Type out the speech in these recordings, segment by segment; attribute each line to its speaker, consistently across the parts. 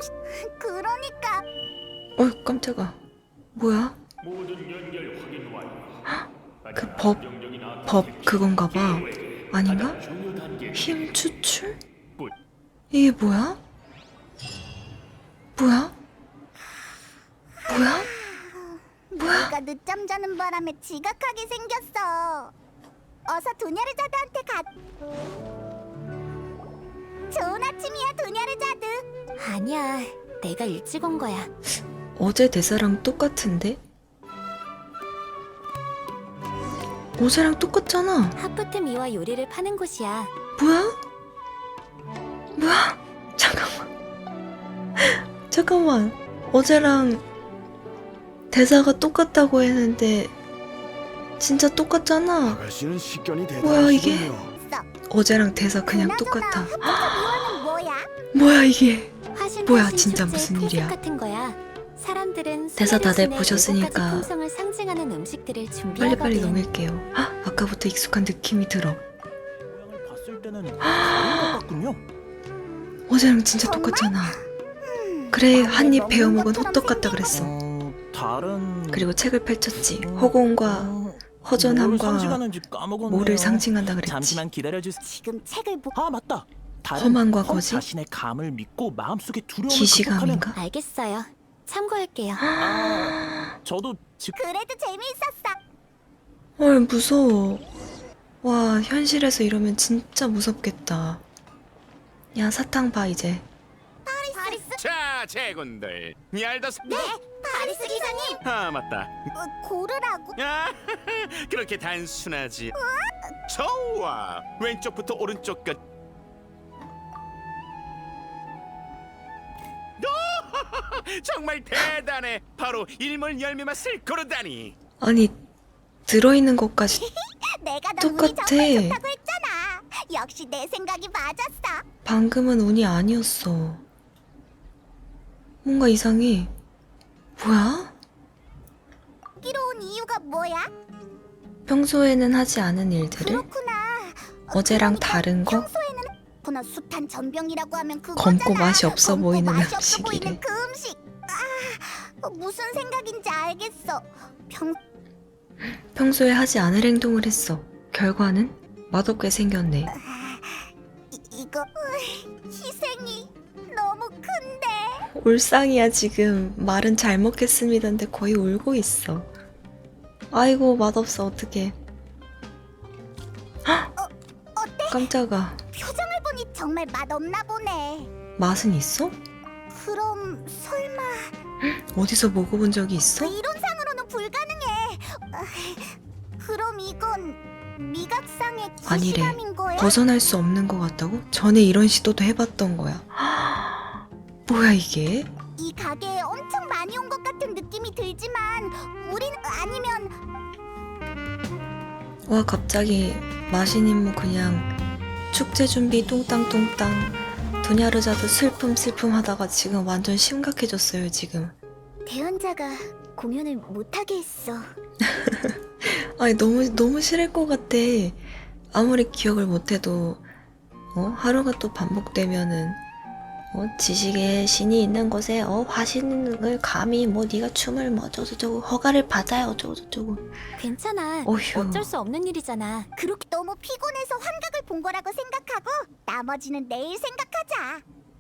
Speaker 1: 그러니까
Speaker 2: 깜짝아. 뭐야? 그 법 그건가 봐. 아닌가? 힘 추출? 이게 뭐야? 뭐야?
Speaker 1: 내가 늦잠 자는 바람에 지각하게 생겼어. 어서 도냐르자드한테 가. 좋은 아침이야, 도냐르자드.
Speaker 3: 아니야, 내가 일찍 온 거야.
Speaker 2: 어제 대사랑 똑같은데? 어제랑 똑같잖아.
Speaker 3: 하프트 미와 요리를 파는 곳이야.
Speaker 2: 뭐야? 잠깐만. 어제랑 대사가 똑같다고 했는데 진짜 똑같잖아.
Speaker 4: 아가씨는 식견이
Speaker 2: 뭐야, 이게?
Speaker 4: 대단하시군요.
Speaker 2: 어제랑 대사 그냥 똑같아.
Speaker 1: 흑투 미화는 뭐야?
Speaker 2: 뭐야 이게?
Speaker 3: 화신
Speaker 2: 뭐야,
Speaker 3: 화신
Speaker 2: 진짜
Speaker 3: 축제의
Speaker 2: 무슨
Speaker 3: 풍습
Speaker 2: 일이야?
Speaker 3: 같은 거야. 사람들은
Speaker 2: 대사 다들
Speaker 3: 수메르 신의
Speaker 2: 보셨으니까
Speaker 3: 7가지 품성을 상징하는 음식들을 준비하거든.
Speaker 2: 빨리빨리 넘길게요. 아까부터 익숙한 느낌이 들어.
Speaker 4: 모양을 봤을 때는 다른 것 같군요.
Speaker 2: 어제랑 진짜 똑같잖아. 그래, 한 입 베어 먹은 호떡 같다 그랬어.
Speaker 4: 다른
Speaker 2: 그리고 책을 펼쳤지. 허공과
Speaker 4: 뭘
Speaker 2: 허전함과
Speaker 4: 상징하는지 까먹었네요.
Speaker 2: 뭐를 상징한다 그랬지.
Speaker 4: 잠시만 기다려주세요.
Speaker 1: 지금 책을 보.
Speaker 4: 아 맞다. 다른
Speaker 2: 험한과
Speaker 4: 험
Speaker 2: 거짓?
Speaker 4: 자신의 감을 믿고 마음속의 두려움을 극복하는.
Speaker 2: 기시감인가?
Speaker 3: 알겠어요. 참고할게요.
Speaker 4: 저도 지금
Speaker 1: 그래도 재미있었어.
Speaker 2: 헐, 무서워. 와, 현실에서 이러면 진짜 무섭겠다. 야, 사탕 봐 이제.
Speaker 1: 파리스.
Speaker 5: 자, 제군들. 얄더스.
Speaker 1: 네, 파리스 기사님.
Speaker 5: 아, 맞다.
Speaker 1: 고르라고.
Speaker 5: 아, 그렇게 단순하지. 좋아. 왼쪽부터 오른쪽까지. 오, 정말 대단해. 바로 일몰 열매 맛을 고르다니.
Speaker 2: 아니, 들어있는 것까지
Speaker 1: 내가 너 운이
Speaker 2: 똑같아.
Speaker 1: 정말 좋다고 했잖아. 역시 내 생각이 맞았어.
Speaker 2: 방금은 운이 아니었어. 뭔가 이상해. 뭐야?
Speaker 1: 여기로 온 이유가 뭐야?
Speaker 2: 평소에는 하지 않은 일들을
Speaker 1: 그렇구나.
Speaker 2: 어제랑
Speaker 1: 그러니까
Speaker 2: 다른 거?
Speaker 1: 평소에는 그나 숱한 전병이라고 하면 그거잖아.
Speaker 2: 검고 맛이 없어
Speaker 1: 검고
Speaker 2: 보이는
Speaker 1: 맛이 없어
Speaker 2: 음식이래.
Speaker 1: 보이는 그 음식. 무슨 생각인지 알겠어.
Speaker 2: 평소에 하지 않을 행동을 했어. 결과는 맛없게 생겼네.
Speaker 1: 이거 희생이 너무 큰데.
Speaker 2: 울상이야 지금. 말은 잘 먹겠습니다인데 거의 울고 있어. 아이고, 맛없어. 어떡해.
Speaker 1: 어때?
Speaker 2: 깜짝아.
Speaker 1: 표정을 보니 정말 맛없나 보네.
Speaker 2: 맛은 있어?
Speaker 1: 그럼 설마
Speaker 2: 어디서 먹어본 적이 있어?
Speaker 1: 이론상으로는 불가능해. 그럼 이건 미각상의
Speaker 2: 아니래.
Speaker 1: 기시감인 거야?
Speaker 2: 벗어날 수 없는 것 같다고? 전에 이런 시도도 해봤던 거야. 뭐야 이게?
Speaker 1: 이 가게에 엄청 많이 온 것 같은 느낌이 들지만 우린 아니면
Speaker 2: 와, 갑자기 마신 임무 그냥 축제 준비 뚱땅뚱땅 도냐르자드 슬픔 하다가 지금 완전 심각해졌어요 지금.
Speaker 1: 대연자가 공연을 못하게 했어.
Speaker 2: 아니, 너무 싫을 것 같아. 아무리 기억을 못해도 하루가 또 반복되면은 지식의 신이 있는 곳에 화신을 감히 뭐 네가 춤을 뭐 어쩌고저쩌고 허가를 받아야 어쩌고저쩌고.
Speaker 3: 괜찮아.
Speaker 2: 어휴.
Speaker 3: 어쩔 수 없는 일이잖아.
Speaker 1: 그렇게 너무 피곤해서 환각을 본 거라고 생각하고 나머지는 내일 생각하자.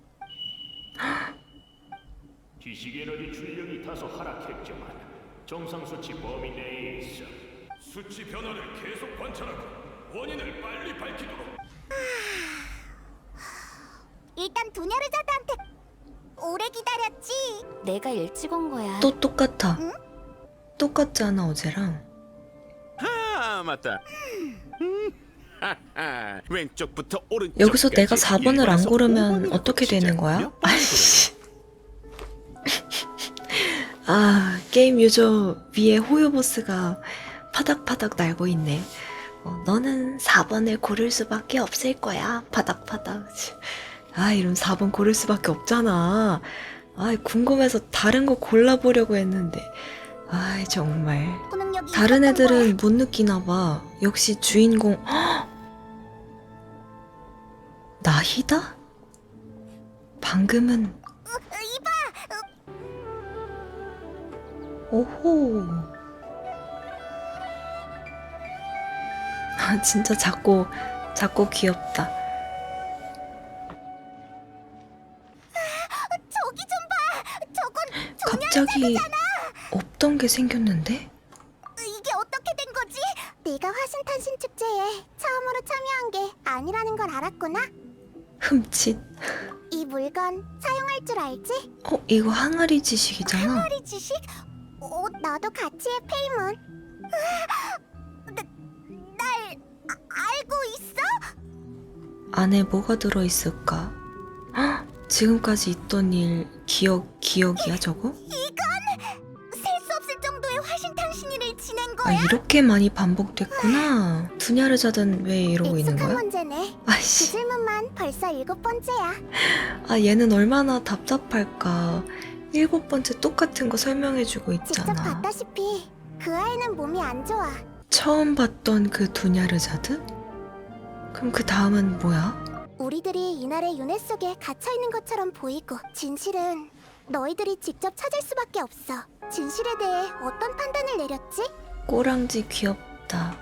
Speaker 6: 지식 에너지 출력이 다소 하락했지만 정상 수치 범위 내에 있어. 수치 변화를 계속 관찰하고 원인을 빨리 밝히도록.
Speaker 1: 일단 도냐르자드한테 오래 기다렸지.
Speaker 3: 내가 일찍 온 거야.
Speaker 2: 또 똑같아.
Speaker 1: 응?
Speaker 2: 똑같잖아 어제랑.
Speaker 5: 아, 맞다. 하하. 왼쪽부터 오른쪽.
Speaker 2: 여기서 내가 4번을 안 고르면 어떻게 되는 거야? 아이씨. 게임 유저 위에 호요 보스가 파닥파닥 날고 있네. 너는 4번을 고를 수밖에 없을 거야. 파닥파닥. 이러면 4번 고를 수밖에 없잖아. 궁금해서 다른 거 골라보려고 했는데. 정말.
Speaker 1: 초능력이
Speaker 2: 다른
Speaker 1: 있었던 거야.
Speaker 2: 애들은 못 느끼나 봐. 역시 주인공. 나희다? 방금은
Speaker 1: 이
Speaker 2: 오호. 아, 진짜 작고 귀엽다.
Speaker 1: 저기 좀 봐. 저건
Speaker 2: 갑자기 없던 게 생겼는데?
Speaker 1: 이게 어떻게 된 거지? 내가 화신탄신 축제에 처음으로 참여한 게 아니라는 걸 알았구나.
Speaker 2: 흠칫.
Speaker 1: 이 물건 사용할 줄 알지?
Speaker 2: 이거 항아리 지식이잖아.
Speaker 1: 항아리 지식? 나도 같이 해, 페이몬. 날 알고 있어?
Speaker 2: 안에 뭐가 들어있을까? 헉, 지금까지 있던 일 기억이야 저거?
Speaker 1: 셀 수 없을 정도의 화신탄신일을 지낸
Speaker 2: 아,
Speaker 1: 거야?
Speaker 2: 이렇게 많이 반복됐구나. 두냐르자든 왜 이러고 있는
Speaker 1: 익숙한
Speaker 2: 거야?
Speaker 1: 문제네. 그
Speaker 2: 아이씨.
Speaker 1: 질문만 벌써 7번째야.
Speaker 2: 아, 얘는 얼마나 답답할까. 7번째 똑같은 거 설명해주고
Speaker 1: 직접
Speaker 2: 있잖아.
Speaker 1: 봤다시피 그 아이는 몸이 안 좋아.
Speaker 2: 처음 봤던 그 두냐르자드? 그럼 그 다음은 뭐야?
Speaker 1: 우리들이 이날의 윤회 속에 갇혀 있는 것처럼 보이고, 진실은 너희들이 직접 찾을 수밖에 없어. 진실에 대해 어떤 판단을 내렸지?
Speaker 2: 꼬랑지 귀엽다.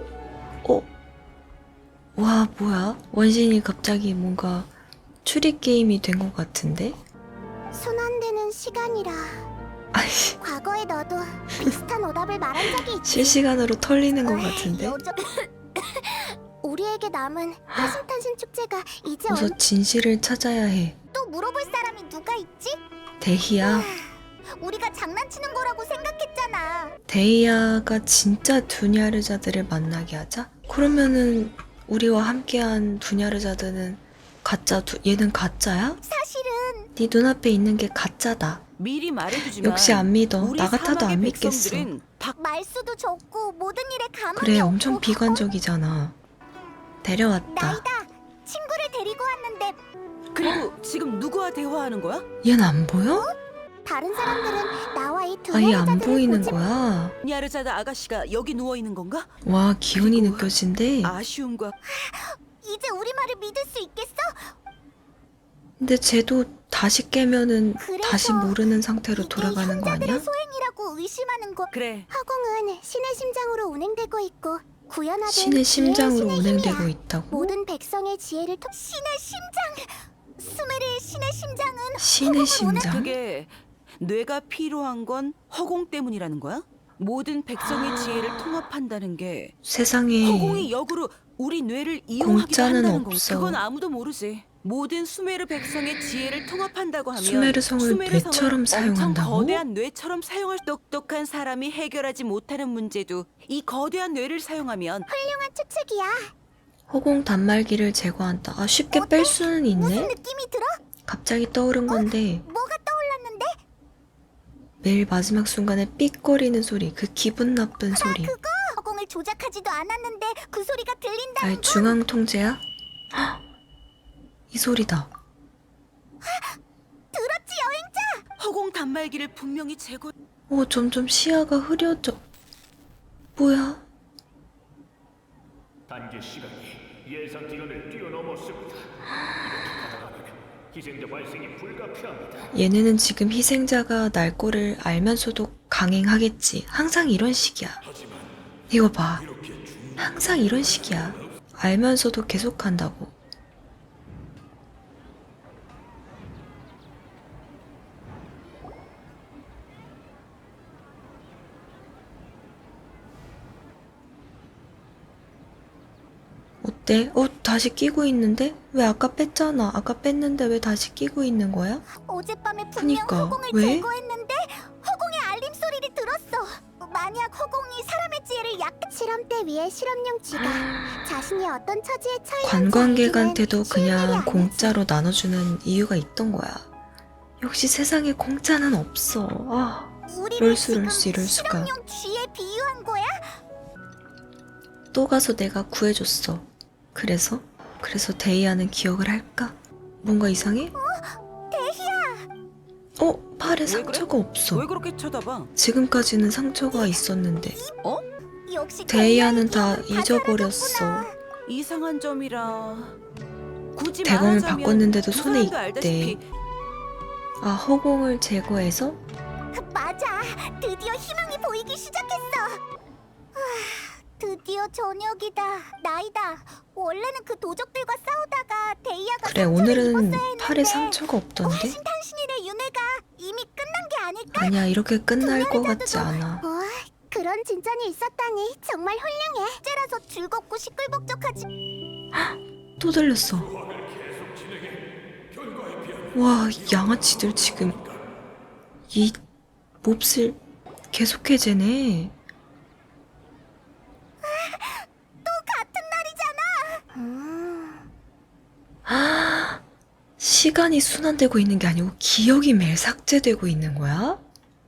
Speaker 2: 와, 뭐야? 원신이 갑자기 뭔가 추리 게임이 된 것 같은데?
Speaker 1: 손 안 대는 시간이라.
Speaker 2: 아이씨,
Speaker 1: 과거에 너도 비슷한 오답을 말한 적이 있지.
Speaker 2: 실시간으로 털리는 것 같은데?
Speaker 1: 우리에게 남은 화신탄신 축제가 이제
Speaker 2: 어서 진실을 찾아야 해.
Speaker 1: 또 물어볼 사람이 누가 있지?
Speaker 2: 데히야.
Speaker 1: 우리가 장난치는 거라고 생각했잖아.
Speaker 2: 데이아가 진짜 두냐르자드를 만나게 하자? 그러면은 우리와 함께한 두냐르자드는 얘는 가짜야?
Speaker 1: 사실은
Speaker 2: 네 눈앞에 있는 게 가짜다.
Speaker 7: 미리 말해두지만
Speaker 2: 역시 안 믿어.
Speaker 7: 우리
Speaker 2: 나 같아도
Speaker 7: 사막의
Speaker 2: 안 믿겠어.
Speaker 7: 백성들은
Speaker 1: 말수도 적고 모든 일에 가망이
Speaker 2: 그래,
Speaker 1: 없고.
Speaker 2: 엄청 비관적이잖아. 데려왔다.
Speaker 1: 나이다. 친구를 데리고 왔는데
Speaker 7: 그리고 지금 누구와 대화하는 거야?
Speaker 2: 얘는 안 보여?
Speaker 1: 다른 사람들은 나와 이 두
Speaker 2: 아예 안
Speaker 1: 여자들을
Speaker 2: 보이는
Speaker 1: 보지
Speaker 2: 거야.
Speaker 7: 야르자다 아가씨가 여기 누워 있는 건가?
Speaker 2: 와, 기운이
Speaker 7: 그리고
Speaker 2: 느껴진대.
Speaker 7: 아쉬움과
Speaker 1: 이제 우리 말을 믿을 수 있겠어?
Speaker 2: 근데 쟤도 다시 깨면은
Speaker 1: 그래서
Speaker 2: 다시 모르는 상태로
Speaker 1: 이게
Speaker 2: 돌아가는 거
Speaker 1: 형제들의
Speaker 2: 아니야?
Speaker 1: 소행이라고 의심하는 거.
Speaker 7: 그래.
Speaker 1: 허공은 신의 심장으로 운행되고 있고 구현화된
Speaker 2: 신의 심장으로
Speaker 1: 지혜의
Speaker 2: 운행되고
Speaker 1: 힘이야.
Speaker 2: 있다고?
Speaker 1: 모든 백성의 지혜를 통 신의 심장. 수메르의 신의 심장은
Speaker 2: 신의 심장?
Speaker 7: 그게 뇌가 필요한 건 허공 때문이라는 거야? 모든 백성의 지혜를 통합한다는 게
Speaker 2: 세상에
Speaker 7: 허공이 역으로 우리 뇌를 이용하기도
Speaker 2: 공짜는
Speaker 7: 한다는 건
Speaker 2: 없어.
Speaker 7: 그건 아무도 모르지. 모든 수메르 백성의 지혜를 통합한다고 하면
Speaker 2: 수메르성을 뇌처럼
Speaker 7: 엄청
Speaker 2: 사용한다고?
Speaker 7: 거대한 뇌처럼 사용할 똑똑한 사람이 해결하지 못하는 문제도 이 거대한 뇌를 사용하면
Speaker 1: 훌륭한 추측이야.
Speaker 2: 허공 단말기를 제거한다. 아, 쉽게 뺄 수는
Speaker 1: 무슨
Speaker 2: 있네?
Speaker 1: 느낌이 들어?
Speaker 2: 갑자기 떠오른 건데
Speaker 1: 뭐가 떠올랐는데?
Speaker 2: 매일 마지막 순간에 삑거리는 소리, 그 기분 나쁜 소리.
Speaker 1: 그거 허공을 조작하지도 않았는데 그 소리가 들린다는
Speaker 2: 아이, 중앙 통제야? 헉! 이 소리다.
Speaker 1: 들었지 여행자?
Speaker 7: 허공 단말기를 분명히 제거.
Speaker 2: 점점 시야가 흐려져. 뭐야?
Speaker 6: 단계 시간이 예상 기간을 뛰어넘었습니다. 이렇게 가다가면 희생자 발생이 불가피합니다.
Speaker 2: 얘네는 지금 희생자가 날 거를 알면서도 강행하겠지. 항상 이런 식이야. 이거 봐. 항상 이런 식이야. 알면서도 계속한다고. 어때? 다시 끼고 있는데? 왜 아까 뺐잖아. 아까 뺐는데 왜 다시 끼고 있는 거야?
Speaker 1: 어젯밤에 분명
Speaker 2: 그니까,
Speaker 1: 허공을
Speaker 2: 왜?
Speaker 1: 제거했는데 허공의 알림 소리를 들었어. 만약 허공이 사람의 지혜를 실험대 위에 실험용 쥐가 자신이 어떤 처지에 처했는지
Speaker 2: 관광객한테도
Speaker 1: 알기는 쉬운 일이
Speaker 2: 그냥
Speaker 1: 아니지.
Speaker 2: 공짜로 나눠주는 이유가 있던 거야. 역시 세상에 공짜는 없어. 아,
Speaker 1: 우리를
Speaker 2: 이럴 수,
Speaker 1: 지금
Speaker 2: 이럴 수, 이럴 수가.
Speaker 1: 실험용 쥐에 비유한 거야?
Speaker 2: 또 가서 내가 구해줬어. 그래서 데이아는 기억을 할까? 뭔가 이상해? 팔에
Speaker 7: 왜
Speaker 2: 상처가 없어.
Speaker 7: 왜 그렇게 쳐다봐?
Speaker 2: 지금까지는 상처가 있었는데
Speaker 1: 역시
Speaker 2: 데이아는 다
Speaker 1: 기억을
Speaker 2: 잊어버렸어.
Speaker 1: 사라졌구나.
Speaker 7: 이상한 점이라. 굳이
Speaker 2: 대검을
Speaker 7: 말하자면
Speaker 2: 바꿨는데도
Speaker 7: 두
Speaker 2: 손에
Speaker 7: 사람도
Speaker 2: 있대.
Speaker 7: 알다시피
Speaker 2: 아, 허공을 제거해서?
Speaker 1: 맞아. 드디어 희망이 보이기 시작했어. 드디어 저녁이다. 나이다. 원래는 그 도적들과 싸우다가 데이아가
Speaker 2: 그래,
Speaker 1: 상처를
Speaker 2: 오늘은
Speaker 1: 입었어야 했는데
Speaker 2: 팔에 상처가 없던데?
Speaker 1: 화신탄신일의 윤회가 이미 끝난 게 아닐까?
Speaker 2: 아니야, 이렇게 끝날 것 같지 않아.
Speaker 1: 그런 진전이 있었다니 정말 훌륭해. 째라서 즐겁고 시끌벅적하지.
Speaker 2: 또 들렸어. 와, 양아치들 지금 이 몹쓸 계속해 재네.
Speaker 1: 또 같은 날이잖아.
Speaker 2: 시간이 순환되고 있는 게 아니고 기억이 매일 삭제되고 있는 거야?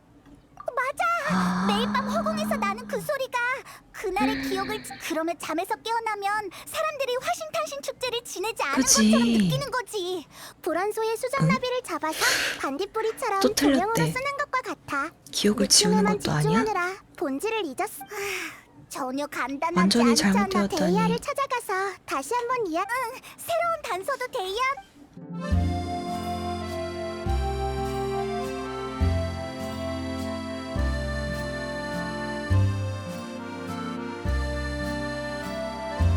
Speaker 1: 맞아. 매일 밤 허공에서 나는 그 소리가 그날의 기억을 그러면 잠에서 깨어나면 사람들이 화신탄신 축제를 지내지 않은
Speaker 2: 그치.
Speaker 1: 것처럼 느끼는 거지. 불안소의 수정나비를 잡아서 반딧불이처럼
Speaker 2: 또
Speaker 1: 조명으로
Speaker 2: 틀렸대.
Speaker 1: 쓰는 것과 같아.
Speaker 2: 기억을 지우는
Speaker 1: 느낌에만
Speaker 2: 것도 아니야?
Speaker 1: 집중하느라 본질을 잊었어. 전혀 간단하지
Speaker 2: 완전히
Speaker 1: 않잖아.
Speaker 2: 잘못되었다니.
Speaker 1: 데이아를 찾아가서 다시 한번 새로운 단서도 데이아